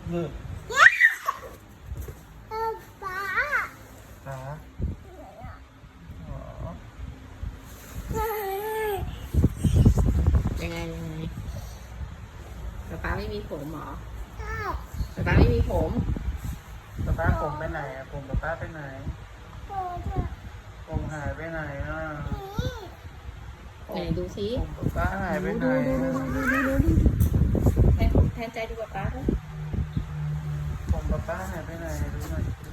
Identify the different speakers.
Speaker 1: นี่
Speaker 2: ป๊า
Speaker 1: ขาอ๋อ
Speaker 3: ยังไงป๊าไม่มีผมเหรอ
Speaker 2: ใช่
Speaker 3: ป๊าไม่มีผม
Speaker 1: ป้าผมไปไหนอะผมป้าไปไหน
Speaker 2: โอ้เธอ
Speaker 1: ผมหายไปไหนอ่ะ
Speaker 3: ไหนดูซิ
Speaker 1: ผมป้าหายไปไหน
Speaker 3: แทนใจดูป๊าด้วย
Speaker 1: ผมป้าหายไปไหนดูหน่อย